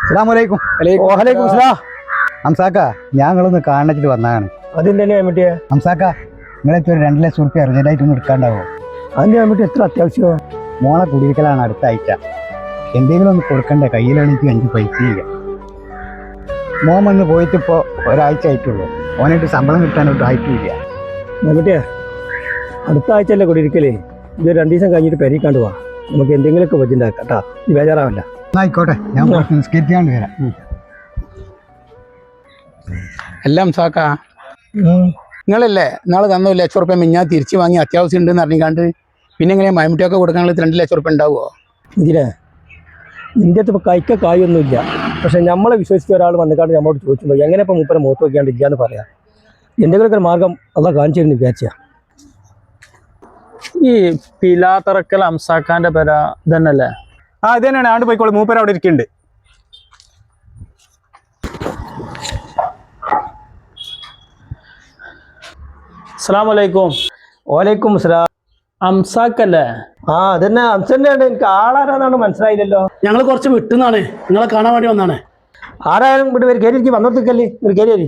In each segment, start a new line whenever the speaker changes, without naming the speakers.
അസ്സലാമലൈക്കും.
വലൈക്കും സലാം.
ഹംസാക്ക, ഞങ്ങളൊന്ന് കാണിച്ചിട്ട് വന്നതാണ്.
അതിന്റെ കമ്മിറ്റിയെ
ഹംസാക്ക, നിങ്ങളെത്തി ഒരു 2 ലക്ഷം റുപ്യ അർജന്റായിട്ട് ഒന്ന് എടുക്കാണ്ടാവോ?
അതിന്റെ കമ്മിറ്റി എത്ര അത്യാവശ്യമോ?
മോളെ കുടിയിരിക്കലാണ് അടുത്ത ആഴ്ച. എന്തെങ്കിലും ഒന്ന് കൊടുക്കണ്ടേ? കയ്യിലാണെങ്കിൽ 5 പൈസ ഇല്ല. മോൻ വന്ന് പോയിട്ട് ഇപ്പോൾ ഒരാഴ്ച ആയിട്ടുള്ളൂ. ഓനായിട്ട് ശമ്പളം കിട്ടാനൊട്ടും ആയിട്ടില്ല.
കമ്മിറ്റിയെ അടുത്ത ആഴ്ചയല്ലേ കുടിയിരിക്കലേ? ഇത് 2 ദിവസം കഴിഞ്ഞിട്ട് പെരീക്കാണ്ട് പോവാ. നമുക്ക് എന്തെങ്കിലുമൊക്കെ ബജുണ്ടാക്കാം കേട്ടാ. ഈ ബേജാറാവല്ല.
ആയിക്കോട്ടെ, ഞാൻ നിസ്കരിക്കാണ്ട് വരാം.
എല്ലാം സാക്ക നിങ്ങളല്ലേ നാളെ തന്ന 1 ലക്ഷം റുപ്യ ഞാൻ തിരിച്ചു വാങ്ങി അത്യാവശ്യം ഉണ്ടെന്ന് അറിഞ്ഞാണ്ട് പിന്നെ എങ്ങനെ മൈമുട്ടിയൊക്കെ കൊടുക്കാനുള്ള 2 ലക്ഷം റുപ്യ ഉണ്ടാവുമോ?
ഇതിനെ നിന്റെ അടുത്ത് ഇപ്പോൾ കായൊന്നുമില്ല. പക്ഷെ നമ്മളെ വിശ്വസിച്ച ഒരാൾ വന്നിക്കാണ്ട് നമ്മളോട് ചോദിച്ചുമ്പോൾ എങ്ങനെ ഇപ്പോൾ മൂപ്പരെ മുഖത്ത് നോക്കിയാണ്ട് ഇല്ലാന്ന് പറയാം. എന്തെങ്കിലുമൊക്കെ ഒരു മാർഗം അല്ല കാണിച്ചിരുന്നു വിചാരിച്ച.
ഈ പിലാത്തറക്കൽ അംസാക്കാന്റെ പേര ഇതന്നല്ലേ?
ഇത് തന്നെയാണ്. ആണ്ട് പോയിക്കോളൂ, മൂപ്പര് അവിടെ ഇരിക്കുന്നുണ്ട്.
അസ്സലാമലൈക്കും.
ഓലൈക്കും സലാം.
അംസാക്കല്ലേ?
അതന്നെ അംസന്നെയാണ്. എനിക്ക് ആളാരാന്നാണ് മനസ്സിലായില്ലല്ലോ.
ഞങ്ങൾ കുറച്ച് വിട്ടുന്നാണ്, നിങ്ങളെ കാണാൻ വേണ്ടി വന്നാണ്.
ആരായാലും ഇവിടെ വരും. കയറി വന്നോർത്തിക്കല്ലേ ഒരു കയറി.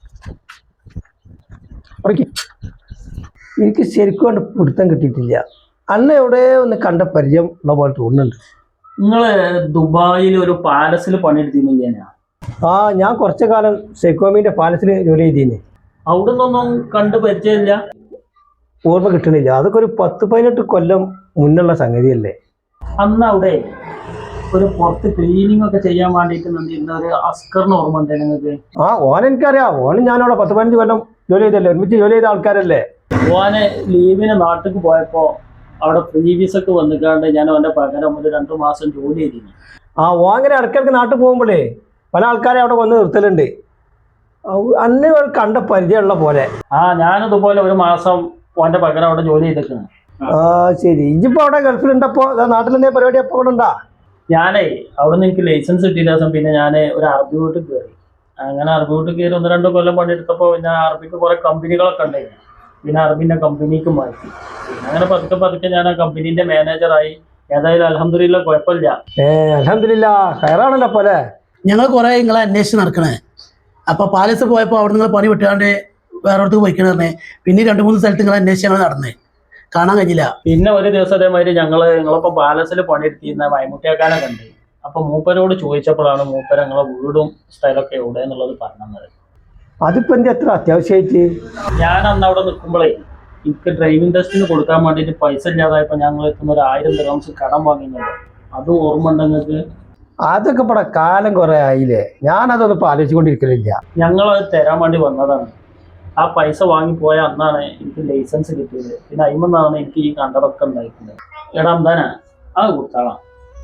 എനിക്ക് ശരിക്കും കൊണ്ട് പിടുത്തം കിട്ടിയിട്ടില്ല. അന്ന് എവിടെ ഒന്ന് കണ്ട പരിചയം ഉള്ള പോലെ തോന്നുന്നുണ്ട്.
നിങ്ങള് ദുബായിൽ ഒരു പാലസിൽ പണിയെടുത്തിരുന്നില്ല?
ഞാൻ കുറച്ചു കാലം സെക്കോമിന്റെ പാലസിൽ ജോലി ചെയ്തിരുന്നു.
അവിടെ നിന്നൊന്നും കണ്ട് പരിചയമില്ല?
ഓർമ്മ കിട്ടണില്ല. അതൊക്കെ ഒരു 10-18 കൊല്ലം മുന്നുള്ള സംഗതിയല്ലേ.
അന്ന് അവിടെ ഒരു പുറത്ത് ക്ലീനിങ് ഒക്കെ ചെയ്യാൻ വേണ്ടിയിട്ട് നിന്നിരുന്ന ഒരു അസ്കറിന് ഓർമ്മ ഉണ്ട് നിങ്ങൾക്ക്?
ഓൻ എനിക്കറിയാം. ഓനും ഞാനവിടെ 10-15 കൊല്ലം ജോലി ചെയ്തല്ലേ, ഒരുമിച്ച് ജോലി ചെയ്ത ആൾക്കാരല്ലേ.
ഓനെ ലീവിന് നാട്ടിലേക്ക് പോയപ്പോ അവിടെ പ്രീവിയസൊക്കെ വന്നിക്കാണ്ട് ഞാൻ അവന്റെ പകരം ഒരു 2 മാസം ജോലി ചെയ്തിരുന്നു.
ഓൻ അങ്ങനെ ഇടയ്ക്കിടയ്ക്ക് നാട്ടിൽ പോകുമ്പോഴേ പല ആൾക്കാരെ അവിടെ വന്ന് നിർത്തലുണ്ട്. അന്ന് കണ്ട പരിചയമുള്ള പോലെ.
ഞാനതുപോലെ 1 മാസം ഓന്റെ പകരം അവിടെ ജോലി ചെയ്തിട്ടുണ്ട്.
ശരി. ഇജിപ്പോ അവിടെ ഗൾഫിലുണ്ടപ്പോ നാട്ടിലെന്തേ പരിപാടി അപ്പൊ അവിടെ ഉണ്ടാ?
ഞാനേ അവിടെ നിന്ന് എനിക്ക് ലൈസൻസ് കിട്ടിയ ദിവസം പിന്നെ ഞാൻ ഒരു അറബി വീട്ടിൽ കയറി. അങ്ങനെ അറബി വീട്ടിൽ കയറി 1-2 കൊല്ലം പണിയെടുത്തപ്പോൾ പിന്നെ അറബിക്ക് കുറെ കമ്പനികളൊക്കെ ഉണ്ടായിരുന്നു. പിന്നെ അറബിന്റെ കമ്പനിക്ക് മാറ്റി. അങ്ങനെ പതുക്കെ ഞാൻ ആ കമ്പനീന്റെ മാനേജറായി. ഏതായാലും അൽഹംദുലില്ലാ കുഴപ്പമില്ല.
അൽഹംദുലില്ലാ ഹൈറാണല്ലോ പോലെ.
ഞങ്ങൾ കുറെ നിങ്ങളെ അന്വേഷിച്ച് നടക്കണേ. അപ്പൊ പാലസ് പോയപ്പോൾ അവിടെ നിങ്ങൾ പണി വിട്ടാണ്ട് വേറെ അടുത്ത് പോയിക്കണ പറഞ്ഞേ. പിന്നെ 2-3 സ്ഥലത്ത് നിങ്ങളെ അന്വേഷിച്ച് ഞങ്ങൾ നടന്നേ, കാണാൻ കഴിഞ്ഞില്ല.
പിന്നെ ഒരു ദിവസം അതേമാതിരി നിങ്ങളിപ്പോ പാലസിൽ പണിയെടുത്തിരുന്ന മൈമുട്ടിയാക്കാനെ കണ്ട്. അപ്പൊ മൂപ്പരോട് ചോദിച്ചപ്പോഴാണ് മൂപ്പര നിങ്ങളെ വീടും സ്ഥലമൊക്കെ എവിടെ എന്നുള്ളത് പറഞ്ഞത്.
അതിപ്പോ എന്താ എത്ര അത്യാവശ്യമായിട്ട്?
ഞാൻ അന്ന് അവിടെ നിൽക്കുമ്പോഴേ എനിക്ക് ഡ്രൈവിംഗ് ടെസ്റ്റിന് കൊടുക്കാൻ വേണ്ടിയിട്ട് പൈസ ഇല്ലാതായപ്പോ ഞങ്ങൾ എത്തുന്ന ഒരു 1000 ദിർഹംസ് കടം വാങ്ങിയത്. അതും ഓർമ്മ ഉണ്ട് നിങ്ങൾക്ക്?
അതൊക്കെ ഇവിടെ കാലം കുറെ ആയില്ലേ. ഞാനതൊന്നും ഇപ്പൊ ആലോചിച്ചുകൊണ്ടിരിക്കലില്ല.
ഞങ്ങളത് തരാൻ വേണ്ടി വന്നതാണ്. ആ പൈസ വാങ്ങിപ്പോയ അന്നാണ് എനിക്ക് ലൈസൻസ് കിട്ടിയത്. പിന്നെ അയിമെന്നാണ് എനിക്ക് ഈ കണ്ടതൊക്കെ ഉണ്ടായിട്ടുള്ളത്. എടാ എന്താനാ അത് കൊടുത്താളാം.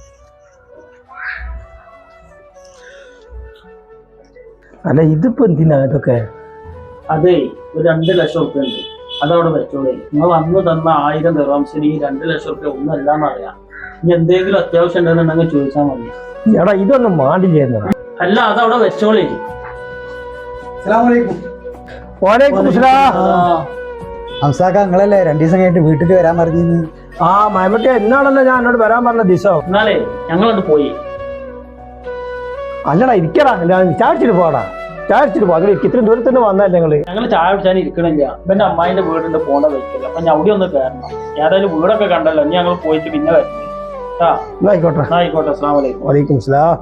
അല്ല ഇതിപ്പോ എന്തിനാ ഇതൊക്കെ?
അതേ ഒരു 2 ലക്ഷം റുപ്യ ഉണ്ട്, അതവിടെ വെച്ചോളേ. നിങ്ങൾ അന്ന് തന്ന 1000 ദിർഹംസിന് ഈ 2 ലക്ഷം റുപ്യ ഒന്നല്ലാന്ന് അറിയാം. ഇനി എന്തെങ്കിലും അത്യാവശ്യം ഉണ്ടെന്നുണ്ടെങ്കിൽ ചോദിച്ചാൽ മതി.
എടാ ഇതൊന്നും മാണ്ടി ചെയ്യുന്നത്
അല്ല, അതവിടെ വെച്ചോളേ.
ഹംസാക്ക, നിങ്ങളല്ലേ 2 ദിവസം കഴിഞ്ഞിട്ട് വീട്ടിൽ വരാൻ പറഞ്ഞിരുന്നു?
മൈമട്ടിയ എന്നാണല്ലോ ഞാൻ എന്നോട് വരാൻ പറഞ്ഞ ദിവസം.
എന്നാലേ ഞങ്ങളത് പോയി.
അല്ലടാ ഇരിക്കടാ, ചാടിച്ചിട്ട് പോടാ. ചാടിച്ചിട്ട് പോ. അതിൽ ഇത്രയും ദൂരത്ത് നിന്ന് വന്നല്ലേ
ഞങ്ങൾ ചായ കുടിച്ചാൽ ഇരിക്കണില്ല. എന്റെ അമ്മായിന്റെ വീടിന്റെ പോണ വെക്കില്ല. അപ്പൊ ഞാൻ അവിടെ ഒന്ന് കയറണം. ഏതായാലും വീടൊക്കെ കണ്ടല്ലോ. ഇനി ഞങ്ങൾ പോയിട്ട് പിന്നെ വരും.
ആയിക്കോട്ടെ.
ആയിക്കോട്ടെ. അസ്സലാമു അലൈക്കും.
വലൈക്കും സലാം.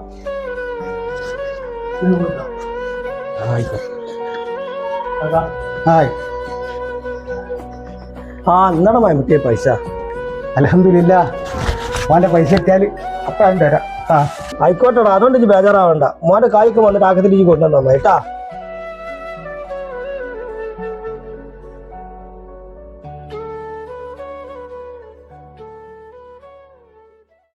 എന്നാണ് മൈമട്ടിയ പൈസ?
അൽഹംദുലില്ലാ, മോന്റെ പൈസ എത്തിയാൽ അപ്പം തരാം.
ആയിക്കോട്ടെടാ, അതുകൊണ്ട് ബേജാറാവണ്ട. മോന്റെ കായ്ക്ക് വന്നിട്ട് ആക്കത്തിൽ കൊണ്ടുവന്നാ കേട്ടാ.